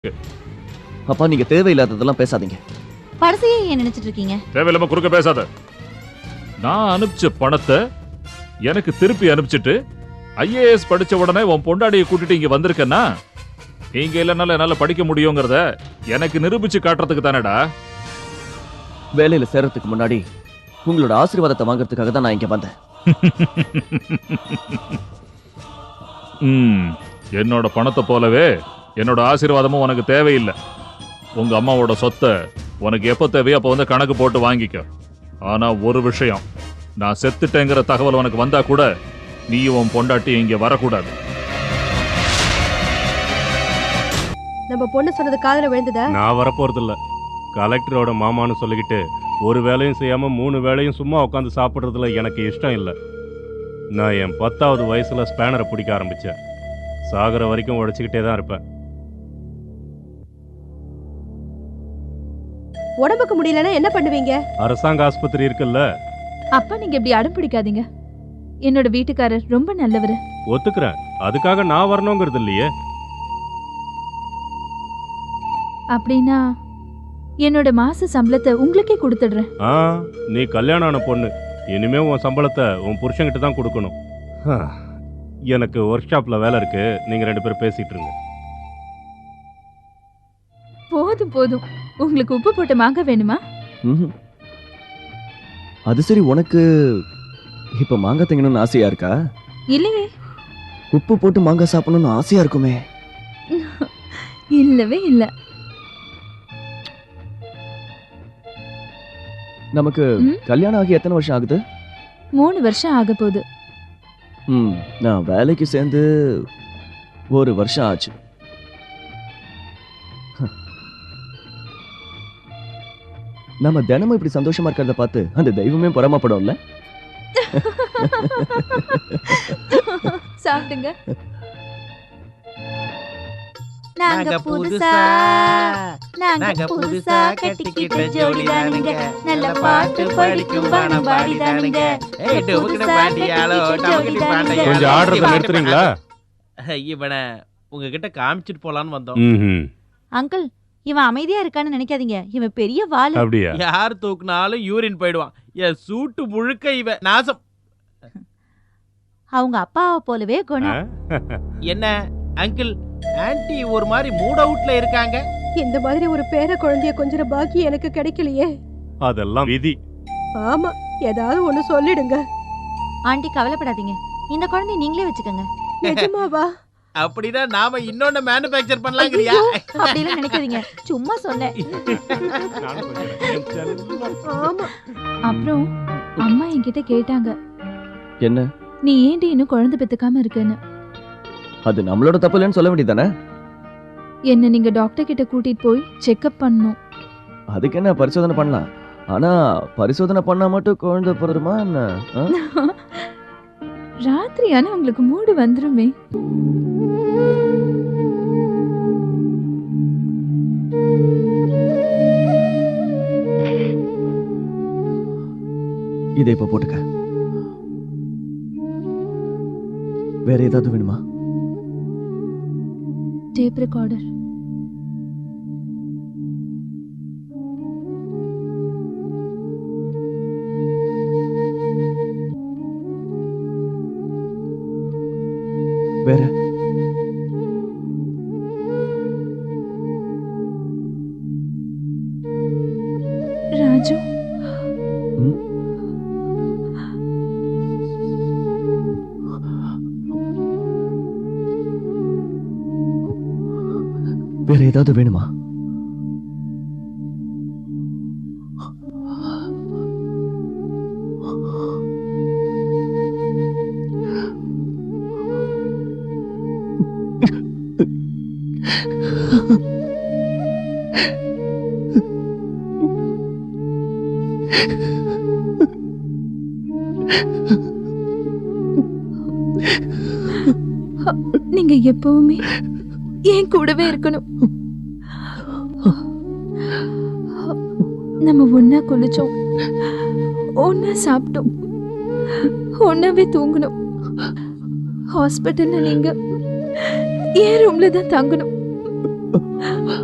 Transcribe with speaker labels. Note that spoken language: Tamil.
Speaker 1: அப்பா நீங்க தேவையில்லாததெல்லாம் பேசாதீங்க.
Speaker 2: படத்தையே ஏன் நினைச்சிட்டு இருக்கீங்க?
Speaker 3: தேவையில்லாம குறுக்க பேசாத. நான் அனுப்பிச்ச பணத்தை எனக்கு திருப்பி அனுப்பிச்சிட்டு ஐஏஎஸ் படிச்ச உடனே உன் பொண்டாடியை கூட்டிட்டு இங்க வந்திருக்கேன்னா நீங்க இல்லைனால என்னால படிக்க முடியுங்கிறத எனக்கு நிரூபிச்சு காட்டுறதுக்கு தானடா.
Speaker 1: வேலையில சேர்றதுக்கு முன்னாடி உங்களோட ஆசீர்வாதத்தை வாங்குறதுக்காக தான் நான் இங்க வந்தேன்.
Speaker 3: என்னோட பணத்தை போலவே என்னோட ஆசீர்வாதமும் உனக்கு தேவையில்லை. உங்க அம்மாவோட சொத்தை உனக்கு எப்ப தேவையோ அப்ப வந்து கணக்கு போட்டு வாங்கிக்க. ஆனா ஒரு விஷயம், நான் செத்துட்டேங்கிற தகவல் உனக்கு வந்தா கூட நீ உன் பொண்டாட்டி இங்க வரக்கூடாது.
Speaker 4: நம்ம பொண்ணு சொன்னது காதுல விழுந்ததா?
Speaker 5: நான் வரப்போறது இல்ல. கலெக்டரோட மாமான்னு சொல்லிக்கிட்டு ஒரு வேலையும் செய்யாம 3 வேளையும் சும்மா உட்காந்து சாப்பிட்றதுல எனக்கு இஷ்டம் இல்லை. நான் என் 10வது வயசுல ஸ்பேனரை பிடிக்க ஆரம்பிச்சேன். சாகர வரைக்கும் உழைச்சிக்கிட்டே தான் இருப்பேன்.
Speaker 4: உடம்புக்கு முடியலன்னா என்ன பண்ணுவீங்க?
Speaker 5: அரசாங்க ஆஸ்பத்திரி இருக்குல்ல.
Speaker 6: அப்பா நீங்க இப்படி அடம் பிடிக்காதீங்க. என்னோட வீட்டுக்காரர் ரொம்ப நல்லவரு.
Speaker 5: ஒத்துக்கிறேன், அதுக்காக நான் வரணுங்கிறது இல்லையே.
Speaker 6: அப்படின்னா என்னோட மாச சம்பளத்தை உங்களுக்கே கொடுத்துடுறேன்.
Speaker 5: நீ கல்யாணம் ஆன பொண்ணு, இனிமே உன் சம்பளத்தை உன் புருஷன்கிட்ட தான் கொடுக்கணும். எனக்கு ஒர்க் ஷாப்ல வேலை இருக்கு, நீங்க 2 பேரும் பேசிட்டு இருங்க.
Speaker 6: போதும் போதும். உங்களுக்கு உப்பு போட்ட மாங்காய் வேணுமா?
Speaker 1: அது சரி, உனக்கு இப்ப மாங்காய் திங்கணும்னு ஆசையா இருக்கா?
Speaker 6: இல்லையே.
Speaker 1: உப்பு போட்டு மாங்காய் சாப்பிடணும்னு ஆசையா இருக்குமே.
Speaker 6: இல்லவே இல்ல.
Speaker 1: நமக்கு கல்யாணம் ஆகி எத்தனை வருஷம் ஆகுது?
Speaker 6: 3 வருஷம் ஆக போகுது.
Speaker 1: நான் வேலைக்கு சேர்ந்து 1 வருஷம் ஆச்சு. நம்ம தினமும் இப்படி சந்தோஷமா இருக்கிறத பார்த்து அந்த தெய்வமே பொறாமப்படும்ல.
Speaker 6: சாப்பிடுங்க.
Speaker 2: நாங்க புதுசா கட்டிக்கிட்ட ஜோடி தானுங்க. நல்ல பாட்டு படிக்கும் பாடம் பாடி தானுங்க.
Speaker 5: கொஞ்சம் ஆடுறத நிறுத்துறீங்களா?
Speaker 7: இவனை உங்ககிட்ட காமிச்சிட்டு போலான்னு வந்தோம்.
Speaker 2: அங்கிள், இவன் அமைதியா இருக்கான்னு நினைக்காதீங்க. இவன் பெரிய வாளு.
Speaker 5: அப்படியா?
Speaker 7: யார் தூக்குனாலும் யூரின் போயிடுவான். என் சூட்டு முழுக்க இவன் நாசம்.
Speaker 2: அவங்க அப்பாவை போலவே குணம்.
Speaker 7: என்ன அங்கிள், ஆன்ட்டி ஒரு மாதிரி மூட் அவுட்ல இருக்காங்க.
Speaker 4: இந்த மாதிரி ஒரு பேர குழந்தைய கொஞ்சம் பாக்கி எனக்கு கிடைக்கலையே.
Speaker 5: அதெல்லாம் விதி.
Speaker 4: ஆமா, ஏதாவது ஒண்ணு சொல்லிடுங்க.
Speaker 2: ஆண்டி கவலைப்படாதீங்க, இந்த குழந்தைய நீங்களே வச்சுக்கோங்க.
Speaker 4: நிஜமாவா?
Speaker 7: அப்படின்னா நாம இன்னொன்னு மேனுஃபேக்சர் பண்ணலாங்கறியா?
Speaker 2: அப்படிலாம் நினைக்காதீங்க, சும்மா சொன்னேன்.
Speaker 4: ஆமா.
Speaker 6: அப்புறம் அம்மா என்கிட்ட கேட்டாங்க,
Speaker 1: என்ன
Speaker 6: நீ ஏண்டி இன்னும் குழந்தை பெத்துக்காம இருக்கன்னு.
Speaker 1: அது நம்மளோட தப்பு இல்லைன்னு சொல்ல வேண்டியதானே?
Speaker 6: என்ன நீங்க டாக்டர் கிட்ட கூட்டிட்டு போய் செக்அப் பண்ணணும்.
Speaker 1: அதுக்கு என்ன, பரிசோதனை பண்ணலாம். ஆனா பரிசோதனை பண்ணா மட்டும் குழந்தை பிறருமா என்ன?
Speaker 6: ராத்திரி ஆனா உங்களுக்கு மூடு வந்துருமே.
Speaker 1: இதை இப்ப போட்டுக்க. வேற ஏதாவது வேணுமா?
Speaker 6: Tape recorder.
Speaker 1: வேற
Speaker 6: ராஜு,
Speaker 1: வேற ஏதாவது வேணுமா?
Speaker 6: நீங்க எப்பவுமே என் கூடவே இருக்கணும். நம்ம ஒன்னா குளிச்சோம், ஒன்னா சாப்பிட்டோம், ஒன்னாவே தூங்கணும். ஹாஸ்பிட்டல்ல நீங்க என் ரூம்ல தான் தங்கணும்.